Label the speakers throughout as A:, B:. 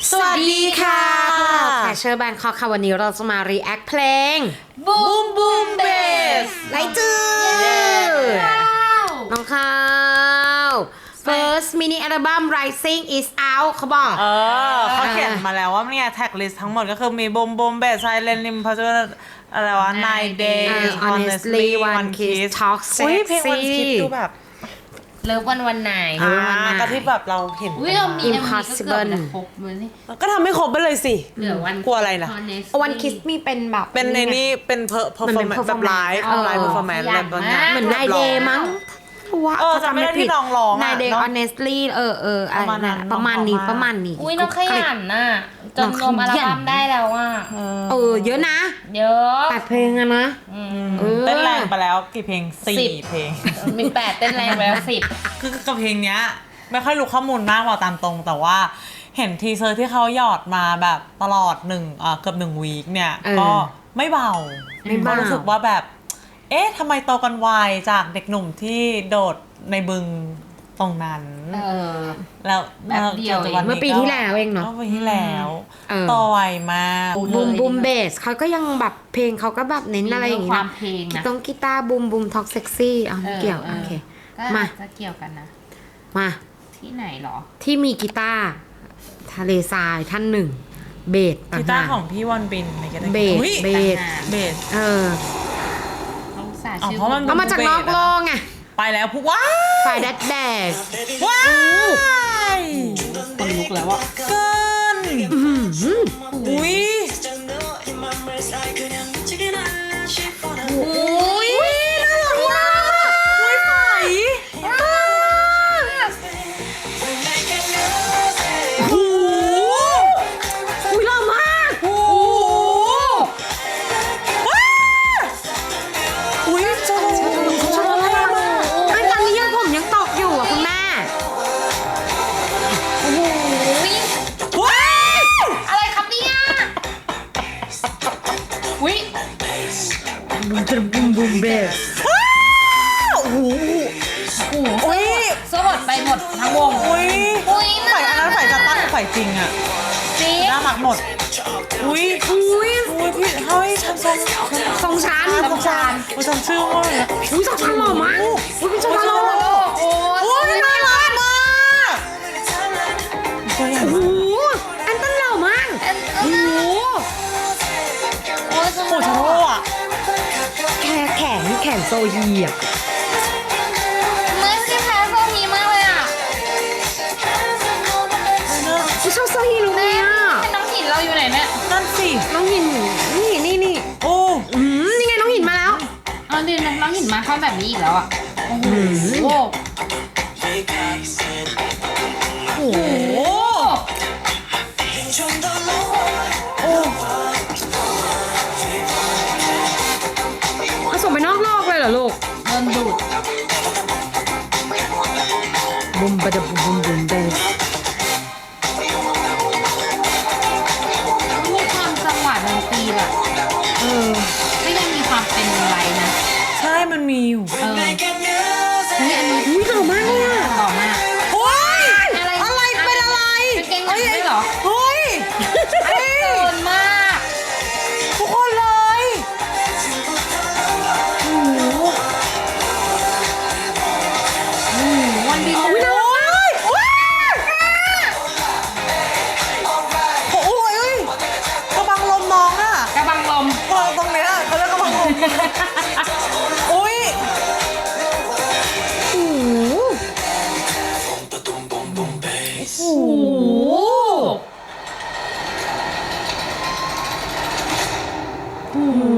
A: สวัสดีค่ะพวกเราแคชเชอร์แบนคอค่ะวันนี้เราจะมารีแอคเพลง
B: Boom Boom Bass
A: ไลจื้อน้องข้าว First mini album Rising is out เขาบอก
B: เขาเขียนมาแล้วว่าเนี่ยแท็กลิสต์ทั้งหมดก็คือมี Boom Boom Bass Silent Rim เพราะว่าอะไรวะ Nine Days
A: Honestly One Kiss Talk
B: อุ้ยเพลง One
A: Sexy
B: Kiss ดูแบบ
C: เลิฟวันไหน
B: ก็ที่แบบเราเห็น
C: อุ้ยเรามี
A: Impossible
C: ก็เกือบจะครบเลยนี่
B: ก็ทำให้ครบไปเลยสิ
C: เหลือวัน
B: กลัวอะไรล่ะ
A: One Kiss มีเป็นแบบ
B: เป็นในนี่เป็นperformance แบบไลฟ์ไลฟ์ performance แบบตอนนี้
A: เหมือนนายเดย์มั้งว่า
B: จำไม่ได้ที่น้องร้องอะ
A: นายเดย์
B: เนอะ
A: honestly
B: ประมาณนั้น
A: ประมาณนี้
B: น้องร้องมา
A: ประมาณนี้
C: อุ้ยน้องขยันน่ะจนรวมอัลบั้มได้แล้วอ่ะ
A: เยอะนะ
C: เยอะ
A: 8 เพลงอะนะ
B: เต้นแรงไปแล้วกี่เพลง4 เพลง
C: มี8เต้นแรงไปแล้ว
B: คือกับเพลงเนี้ยไม่ค่อยรู้ข้อมูลมากว่าตามตรงแต่ว่าเห็นทีเซอร์ที่เขาหยอดมาแบบตลอดเกือบ1 วีคเนี่ยก็ไม่เบาก็รู้สึกว่าแบบเอ๊ะทำไมโตกันไวจากเด็กหนุ่มที่โดดในบึงตรงนั้นแล้ว
C: แบบเดียว
A: เมื่อปีที่แล้วเองเนาะ
B: ปีที่แล้วโตไวมาก
A: บูมเบสเขาก็ยังแบบเพลงเขาก็แบบเน้นอะไรอย่างงี้
C: ความ
A: นะ
C: เพลงนะ
A: ต้องกีตาร์บูมท็อกเซ็กซี่เกี่ยวโอเค
C: ก็
A: มา
C: จะเกี่ยวกันนะ
A: มา
C: ที่ไหนหรอ
A: ที่มีกีตาร์ทะเลทรายท่านหนึ่งเบส
B: กีตาร์ของพี่วอนบินในกีตาร์
A: เบส
B: อุ๊ย
A: เบส
B: เบส
C: ต้องสา
B: อ๋อ
C: ชื่อ
B: เพราะมัน
A: เอามาจากนอกโลกไง
B: ไปแล้วพวกว้า
A: ฝ่ายแดดแดก
B: ว้าย
C: คนลุกแล้วอ่ะ
B: เกินอุ้ยอุ้ยน่ารักมากอุ้ยใส โอ้โห
A: อุ้ยหล่อมาก
B: โอ้โหว้าอุ้ยชอบชอบมาก
A: ไอ้ตอนนี้ยังผมยังตกอยู่อ่ะคุณแม่
B: ว้าย
C: อะไรครับเนี่ยอุ้ย
A: บูมเบส
B: ว้าวโอ้โห
C: โอ้โห
B: อุ้ย
C: สลดไปหมดทั้งวง
B: อุ้ย
C: อุ้ย
B: ฝ่ายอันนั้นฝ่ายจะตั้งฝ่ายจริงอะ
C: จริง
B: น่ารักหมด อุ้ยอุ้ยพี่เฮ้ยฉันทรง
A: ทรงชั้น
B: ฉันชื่อว่าอะไรนะ
A: อุ้ยทรงชั้นหล่อมากอุ้ยเป็นทรงชั้นหล่อ
C: โอ้
B: อุ้ยน่ารักมากตัวใหญ่
A: โอ้
B: มาก
A: โหอันตันหล่อมากโอ้โห
C: โอ้ย
B: โอ้ชาโร่อะ
A: แขนโซฮีอ่ะ
C: ไม่ใช่แพ้โซฮีมากเลยอ่ะ
A: ฉันชอบโซฮีรู้ไหมอ่ะ
C: ให้น้องหินเราอยู่ไหนเนี่ย
B: นั่นสิ
A: น้องหินนี่
B: โอ้
A: นี่ไงน้องหินมาแล้ว
C: เอาดิน้องหินมาเข้าแบบนี้อีกแล้วอ่ะ โอ้โห
B: โหโอ้
A: เอาส่งไปนอกโลกเลยเหรอลูก
C: โดนดูด
A: บุมบะดะบุมเบส
C: มีความจังหวะดนตรีแบบก็ยังมีความเป็นไรนะ
B: ใช่มันมีอยู่
C: เฮ้ยอันนี้
A: อุ้ยหล่อมากเลยอ่ะ
C: หล่อมาก
B: โอ้ย
C: อะไร
B: อะไรเป็นอะไร
C: เป็นเกงหนังด้วยเหรอ
B: เฮ้ย
C: เกินมาก
B: ทุกคนเลยโอ้โห
C: วันดี
B: โอ้ยโอ้ยกระบังลมน้องอะ
C: กระบังลม
B: ตรงเนี้ยเขาเรียกกระบังลมอุ้ย
A: โอ้โห
C: โอ้โห
A: โอ้โห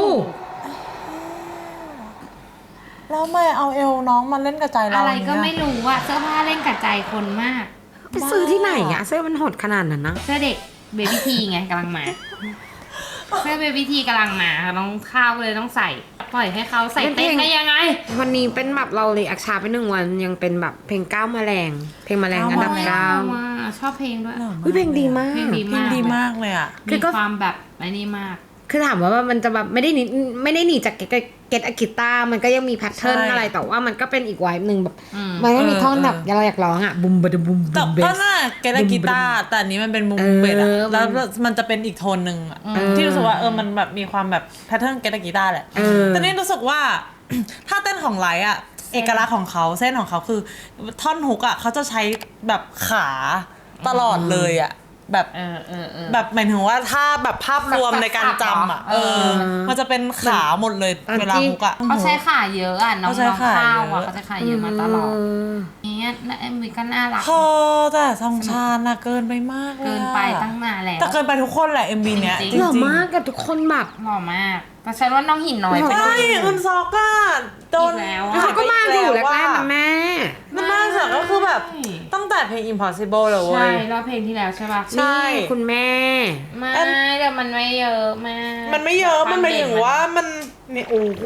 B: แล้วทำไมเอาเอวน้องมาเล่นกับใจเรา
C: อะไรก็
B: เนี่ย
C: ไม่รู้อะเสื้อผ้าเล่นกับใจคนมาก
A: ไปซื้อที่ไหนอ่ะเสื้อมันหดขนาดนั้นนะ
C: เสื้อเด็กเบบี้ทีไงกำลังมา เสื้อเบบี้ทีกำลังมาน้องข้าวเลยต้องใส่ ปล่อยให้เขาใส่เต้นได้ยังไง
A: วันนี้เป็นแบบเราเลยอักชาไป1 วันยังเป็นแบบเพลงก้าวแมลง เพลงแมลงอันดับ
C: ว้ชอบเพลงด้วย
A: 9เพลงดีมาก
C: เพลงดี
B: เพลงดีมากเลยอะ
A: คื
C: มี
A: อก็
C: ความแบบไอ้นี่มาก
A: คือถามว่ามันจะแบบไม่ได้หนีจากเก็ตอะกีตาร์มันก็ยังมีแพทเทิร์น
B: ใช่
A: อะไรแต่ว่ามันก็เป็นอีกไวบ์หนึ่งแบบมันก็มีท่อนแบบเราอยากร้องอ่ะบุมบะดบุม
B: แต่
A: บุมเบ
B: ก็
A: ส
B: น่าเกตกีตาร์แต่อันนี้มันเป็นมุมเบสอะแล้วมันจะเป็นอีกโทนหนึ่งอะที่รู้สึกว่ามันแบบมีความแบบแพทเทิร์นเกตกีตาร์แหละแต่นี่รู้สึกว่า ถ้าเต้นของไลท์อะเอกลักษณ์ของเขาเส้นของเขาคือท่อนฮุกอะเขาจะใช้แบบขาตลอดเลยอะแบบแบบหมายถึงว่าถ้าแบบภาพรวมในการจำอะมันจะเป็นขาหมดเลยเวลาฮุกอะ
C: เขาใช้ขาเยอะอ่ะน้อง
B: เขาใช้ขา
C: ข้าว
B: เย
C: อ่ะ
B: อะ
C: เขาใช้ขาเยอะมาตลอดเนี่ยMVก็น่ารัก
B: พอแต่ทองชาญน่ะเกินไปมากเลย
C: เกินไปตั้งนานแล้ว
B: แต่เกินไปทุกคนแหละ MV เนี้ย
C: จริง
B: จริง
A: หล่อ
B: ๆ
A: มากกับทุกคนแบบ
C: หล่อมากแต่ฉันว่าน้องหินน้อยไป
B: ใช่
C: ด้วย
B: อึนซอกอะโดน
C: อีกแล้วอะ
A: เขาก็มาอยู่แรกๆนะแม่
B: มันมากสุดก็คือแบบตั้งแต่เพลง Impossible เลยเว้
C: ใช่
B: ย
C: รอบเพลงที่แล้วใช่ป่ะ
B: ใช่
A: นี่คุณแม่
C: ไม่แต่มันไม่เยอะมาก
B: มันไม่เยอะมันหมายถึงว่ามันเนี่ยโอ้โห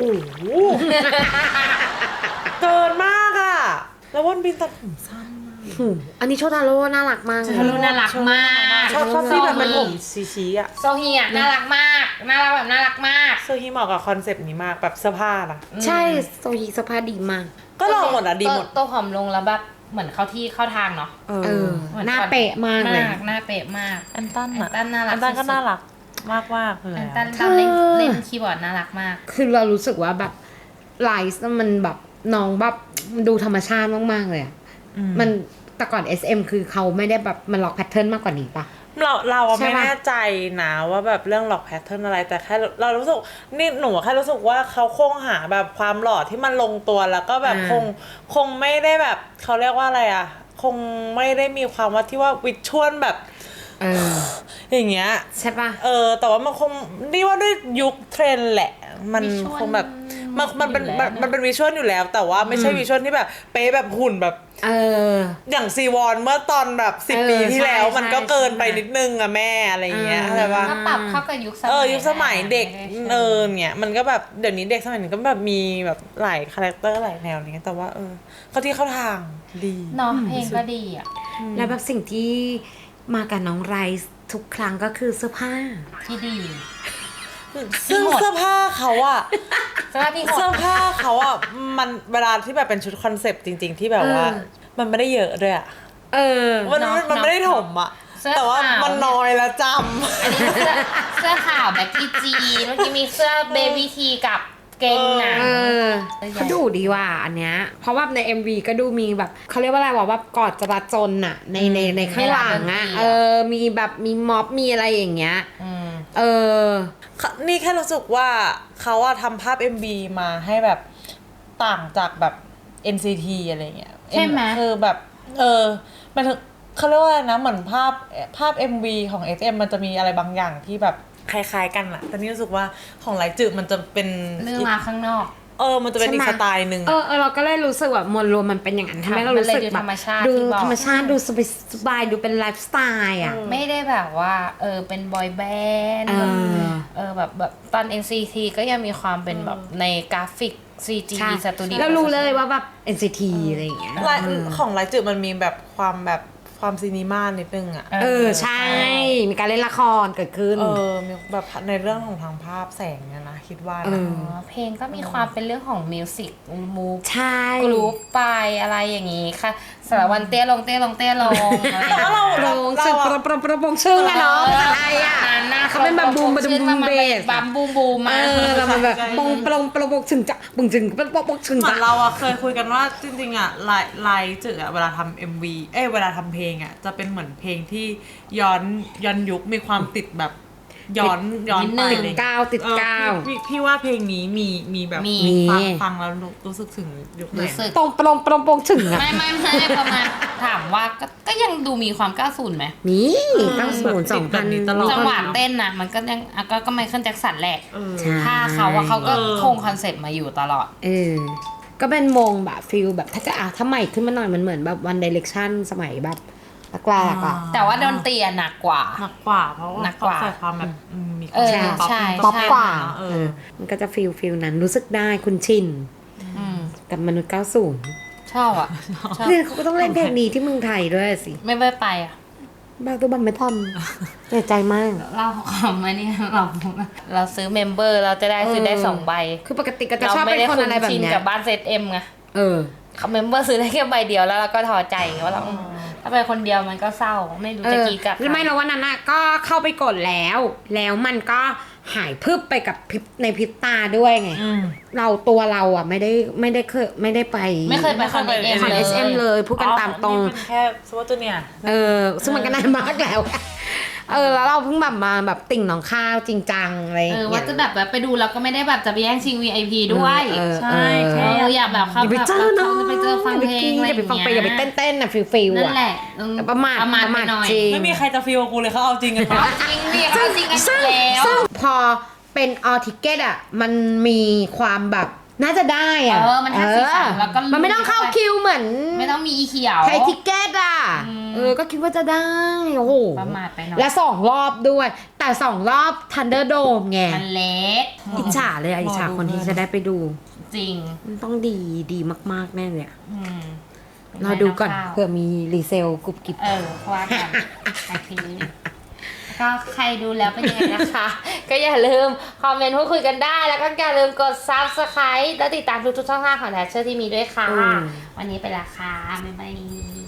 B: เกินมากอะแล้ววันบินตัดผมสั้น
A: อันนี้โชทาโร่น่ารักมากเลย
C: ทะลุน่ารักมาก
B: ชอบที่แบบเป็นผมชี้ๆอะ
C: โซฮีอ่ะน่ารักมากน่ารักแบบน่ารักมาก
B: เสื้อฮีเหมาะกับคอนเซปต์นี้มากแบบเสื้อผ้านะ
A: ใช่โซฮีสภาพดีมาก
B: ก็ลองหมดอะดีหมด
C: ตัวผอมลงแล้วแบบเหมือนเข้าที่เข้าทางเนาะ
A: เออหน้าเป๊ะมากเลย
C: หน้าเป๊ะมาก
B: อันตัน
C: อันตันน่ารัก
B: อันตันก็
C: สุดๆ
B: น่ารักมากๆเลย
C: อัน
B: อะ
C: ตันตอนเล่นคีย์บอร์ดน่ารักมาก
A: คือเรารู้สึกว่าแบบไลฟ์มันแบบน้องแบบมันดูธรรมชาติมากๆเลยอะมันแต่ก่อน SM คือเขาไม่ได้แบบมันล็อกแพทเทิร์นมากกว่านี้ปะ
B: เราอะ
A: ใช่
B: ไม่
A: ปะ
B: แน่ใจนะว่าแบบเรื่องหลอกแพทเทิร์นอะไรแต่แค่เรารู้สึกนี่หนูแค่รู้สึกว่าเขาคงหาแบบความหล่อที่มันลงตัวแล้วก็แบบคงไม่ได้แบบเขาเรียกว่าอะไรอะคงไม่ได้มีความว่าที่ว่าวิชวลแบบ อย่างเงี้ย
A: ใช่ปะ
B: แต่ว่ามันคงนี่ว่าด้วยยุคเทรนด์แหละ มัน
C: วิชวล
B: คงแบบมันเป็น
C: อยู่แล้ว
B: มันเป็นวิชวลอยู่แล้ว แต่ว่าไม่ใช่วิชวลที่แบบเป๊ะแบบหุ่นแบบ อย่างซีวอนเมื่อตอนแบบ10 ปีที่แล้ว
A: ใช่
B: มันก็เกินไป
A: ใช่
B: นิดนึงอะแม่อะไรอย่างเงี้ยเข้าใจปะ
C: ก็ปรับเข้ากับยุคสมัย
B: ยุคสมัยเด็ก
C: ไม่ได้
B: เนี่ยมันก็แบบเดี๋ยวนี้เด็กสมัยนี้ก็แบบมีแบบหลายคาแรคเตอร์หลายแนวอะไรเงี้ยแต่ว่าเขาที่เข้าทางดี
C: เนาะเพลงก็ดีอ่ะ
A: แล้วแบบสิ่งที่มากับน้องไรซ์ทุกครั้งก็คือเสื้อผ้า
C: ที่ดี
B: ซึ่ง
C: ที่หมด
B: เสื้อผ้าเขาอะ
C: สภาพที่โห
B: เสื้อ
C: ด
B: ผ้าเขาอะมันเวลาที่แบบเป็นชุดคอนเซปต์จริง ๆ ที่แบบว่า มันไม่ได้เยอะด้วยอะ มัน
C: เนาะ
B: มันไม่ได้ถมอะ
C: เสื้อ
B: แต่ว่า
C: ขาว
B: มันน้อยแล้วจ
C: อันนี้เสื้อขาวแบ็คกี้จีเมื่อกี้มีเสื้อเบบี้ทีกับเกงหนัง
A: เขาดูดีว่ะอันเนี้ยเพราะว่าใน MV ก็ดูมีแบบเขาเรียกว่าอะไรวะแบบกอดจราจรน่ะในข้างหลังอ่ะมีแบบมีม็อบมีอะไรอย่างเงี้ย
B: ำนี่แค่รู้สึกว่าเขาอะทำภาพ MV มาให้แบบต่างจากแบบ NCT อะไรเงี้ย
C: ใช่ไหม
B: คือแบบมันถึงเขาเรียกว่าอะไรนะเหมือนภาพ MV ของ SM มันจะมีอะไรบางอย่างที่แบบคล้ายๆกันอะแต่นี่รู้สึกว่าของไลจืดมันจะเป็น
C: เรื่องราวข้างนอก
B: มันจะเป็นอีกสไตล์หนึ่ง
A: เราก็เลยรู้สึกแบบมวลรวมมันเป็นอย่างนั้นทำให้เรารู้สึกแบบ
C: มันเลยดูธรรมชาติ
A: ดู
C: ที่บอก
A: ธรรมชาติดูสบายดูเป็นไลฟ์สไตล์อ่ะ
C: ไม่ได้แบบว่าเป็นบอยแบนด์แบบตอน NCT ก็ยังมีความเป็นแบบในกราฟิก CG
A: ใช่
C: สตูดิโอ
A: แล้วรู้เลยว่าแบบ NCT อะไรอย่างเงี้ย
B: ของไลจืดมันมีแบบความซีนีมานิดนึงอะ
A: ใช่ มีการเล่นละครเกิดขึ้น
B: มีแบบในเรื่องของทางภาพแสงเนี่ยนะคิดว่านะ
C: เพลงก็มีความเป็นเรื่องของมิวสิกมูฟ
A: ใช่
C: กรุ๊ปไปอะไรอย่างงี้ค่ะสารวันเตี้ยลงอะไรอย่าง
A: โป
C: เงี้
A: ร
C: ย
A: งชึ่งโปรงชึ่งอะเนาะภาษาไทยอะ เขาเป็นแบบบูมเบส
C: บัมบูมมา
A: เรามันแบบโปรงชึ่งจะบึงจึงโปรงชึ่ง
B: เหมือ
A: จะ
B: นเราอะเคยคุยกันว่าจริงๆอะไลจืดอะเวลาทำ MV เวลาทำเพลงอะจะเป็นเหมือนเพลงที่ย้อนยุคมีความติดแบบย้อนไป
A: ติด
B: อะไร
A: กาวติดกาว
B: พี่ว่าเพลงนี้มีแบบ
C: มี
B: ฟังแล้วรู้สึกถึงยุคไหน
C: รู้สึก
A: ตรงโปรงชึ่งอะ
C: ไม่ประมาณถามว่าก็ยังดูมีความ90ไหม
A: นี่ตั้ง0,2,000
C: จังหวะเต้นนะมันก็ยังก็ไมเคิลแจ็คสันแหละ
A: ใช่
C: ถ้าเขาก็คงคอนเซ็ปต์มาอยู่ตลอด
A: ก็เป็นวงแบบฟิลแบบถ้าใหม่ขึ้นมาหน่อยมันเหมือนแบบ One Direction สมัยแบบแรกๆอะ
C: แต่ว่าดนตรีอะหนักกว่า
B: หนักกว่าเพราะว่า
C: หนักกว่า
B: ใส่ความแบบมีค
C: เอ
B: วาม
C: อใช่
A: ป๊อปกว่า
B: เอ
A: มันก็จะฟิลนั้นรู้สึกได้คุณชินกับมนุษย์ 90
C: ชอบอ่ะชอบ
A: เนี่ยเขาก็ต้องเล่นเพลงนี้ที่เมืองไทยด้วยสิ
C: ไม่ได้ไปอ่ะ
A: แบกตัวบัมไม่ทำเสียใจมาก
C: เราขำมาเนี่ยเราซื้อเมมเบอร์เราจะได้ซื้อได้2 ใบ
A: คือปกติก็จะชอบเป็นคนอะไรแบบ
C: ชิน
A: เนี้ย
C: กับบ้านเซตเอ็มไง
A: เออ
C: เขาเมมเบอร์ซื้อได้แค่ใบเดียวแล้วเราก็ท้อใจว่าเราถ้าไปคนเดียวมันก็เศร้าไม่รู้จะกี่กับ
A: ไม่แล้ววันนั้นน่ะก็เข้าไปกดแล้ว แล้วมันก็หายพึบไปกับพริบในพริบตาด้วยไง ตัวเราอ่ะไม่ได้เคยไม่ได้ไป
C: ไม่เคยไปคอนเอ็ม
A: คอน
C: เล
A: SM
C: ย
A: เลยพูดกันตามตรง
B: นี่เป็นแค่ซูเปอร์จูเนียร์
A: ซึ่งมันก็นานมากแล้วแล้วเราเพิ่งแบบมาแบบติ่งน้องข้าวจริงจังอะไรอย่างเงี้ย
C: ว่าจะแบบไปดูแล้วก็ไม่ได้แบบจะไปแย่งชิง VIP ด้วย
B: ใช่แค่
C: อยากแบบเข้า
A: อย่าไป
C: แบบ
A: เจอเนาะ
C: จะไปเจอฟังเพลงอะไร
A: อย่าไปฟังเพลงอย่าไปเต้นนะฟิล
C: นั่
A: อ่ะ
C: นแหละ
A: ประมาท
C: ไปหน่อย
A: จริง
B: ไม่มีใครจะฟีลกูเลยเขาเอาจริงกันปะ
C: จริงเนี่ยเขาจริงกันอยู่แล้ว
A: ซึ่งพอเป็นออทิเกตอ่ะมันมีความแบบน่าจะได้อ่ะ
C: มันแค่สีสันแล้วก็
A: มันไม่ต้องเข้าคิวเหมือน
C: ไม่ต้องมีอีเขียว
A: ไทยทิเกตอ่ะก็คิดว่าจะได้โอ้โห
C: ประมาทไปหน่อย
A: และ2 รอบด้วย แต่ 2 รอบ Thunderdome ไง
C: มันเล็ก
A: อิจฉาเลยอะอิจฉาคนที่จะได้ไปดู
C: จริง
A: มันต้องดีมากๆแน่เลยอะ
C: อืม
A: เราดูก่อน
C: ข้าว
A: เผื่อมีรีเซลกรุบกริบ
C: เพราะว่ากันแต่ทีนี้ก็ใครดูแล้วเป็นยังไงนะคะ ก็อย่าลืมคอมเมนต์พูดคุยกันได้ แล้วก็อย่าลืมกด Subscribe และติดตามทุกๆช่องทางของแทชเชอร์ที่มีด้วยค่ะ วันนี้ไปและค่ะบ๊ายบาย